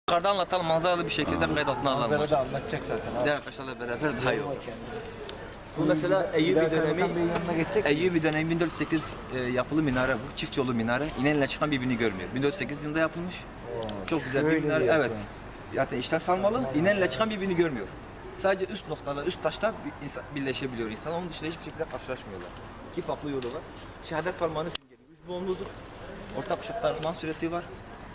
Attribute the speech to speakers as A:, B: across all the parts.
A: Yukarıda anlatalım, manzaralı bir şekilde kayıt altına alalım.
B: Manzara da anlatacak zaten abi.
A: Diğer arkadaşlarla beraber daha iyi olur.
B: Kendine.
A: Bu mesela Eyyubi dönemi,
B: yanına geçecek.
A: Eyyubi dönemi 1408 yapılı minare bu. Çift yolu minare. İnenle çıkan birbirini görmüyor. 1408 yılında yapılmış. Çok güzel bir
B: şöyle
A: minare.
B: bir
A: Evet. Zaten işten salmalı. İnenle çıkan birbirini görmüyor. Sadece üst noktada, üst taşta birleşebiliyor insan. Onun dışında hiçbir şekilde karşılaşmıyorlar. İki farklı yolu var. Şehadet parmağını simgeliyor. Üç boğumludur. Ortak ışıkta Rahman suresi var.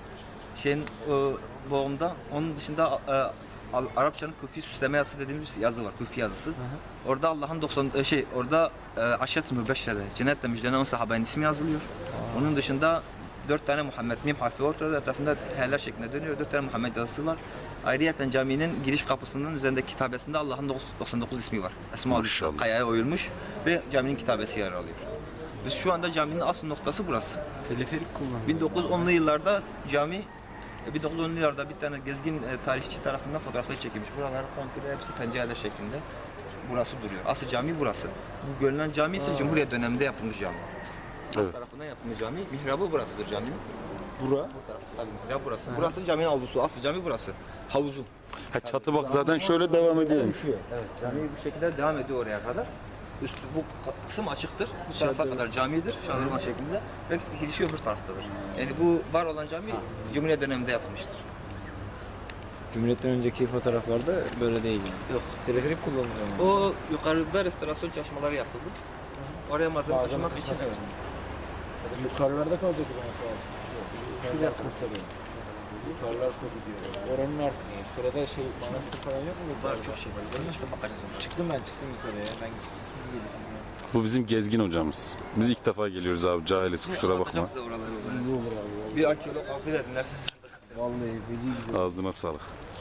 A: Boğumda. Onun dışında Arapçanın kufi süsleme yazısı dediğimiz yazı var. Kufi yazısı. Orada Allah'ın orada aşet-i mübeşşere, cennetle müjdelen 10 sahabenin ismi yazılıyor. Onun dışında 4 tane Muhammed mim harfi ortada, etrafında heller şeklinde dönüyor. 4 tane Muhammed yazısı var. Ayrıyeten caminin giriş kapısının üzerindeki kitabesinde Allah'ın 99 ismi var. Esma-ül Hüsna kayaya oyulmuş ve caminin kitabesi yer alıyor. Biz şu anda caminin asıl noktası burası.
B: Teleferik kullanıyor.
A: 1910'lu yıllarda cami 1910'lu yıllarda bir tane gezgin tarihçi tarafından fotoğrafları çekilmiş. Buralar komple hepsi pencereler şeklinde. Burası duruyor. Asıl cami burası. Bu görünen cami ise Cumhuriyet döneminde yapılmış cami.
C: Evet.
A: Tarafından yapılmış cami. Mihrabı burasıdır caminin.
B: Bura.
A: Bu taraf tabii mihrab burası. Burası caminin avlusu. Asıl cami burası. Havuzu.
C: Ha, çatı bak zaten şöyle devam ediyormuş.
A: Evet. Cami bu şekilde devam ediyor oraya kadar. Üstü bu kısım açıktır. Bu tarafa kadar camidir. Şadırvan şeklinde. Ve girişi öbür taraftadır. Yani bu var olan cami Cumhuriyet döneminde yapılmıştır.
B: Cumhuriyet'ten önceki fotoğraflarda böyle değil yani.
A: Yok.
B: Teleferik kullanılıyor.
A: O yukarıda restorasyon çalışmaları yapıldı. Oraya malzeme taşımak için.
B: Yukarılarda kalacak o zaman abi. Şuraya kurtarıyor. Yukarılar kodu diyor. Oranın artık yani şurada şey manastır falan yok mu?
A: Var çok şey var. Görün işte bakacağız.
B: Çıktım yukarıya. Ben gittim.
C: Bu bizim gezgin hocamız. Biz ilk defa geliyoruz abi, cahiliz, kusura bakma.
A: Anlatacağım size oraları.
B: Ne olur abi.
A: Bir arkeolog alsaydı dinlersiniz.
B: Vallahi feci güzel.
C: Ağzına sağlık.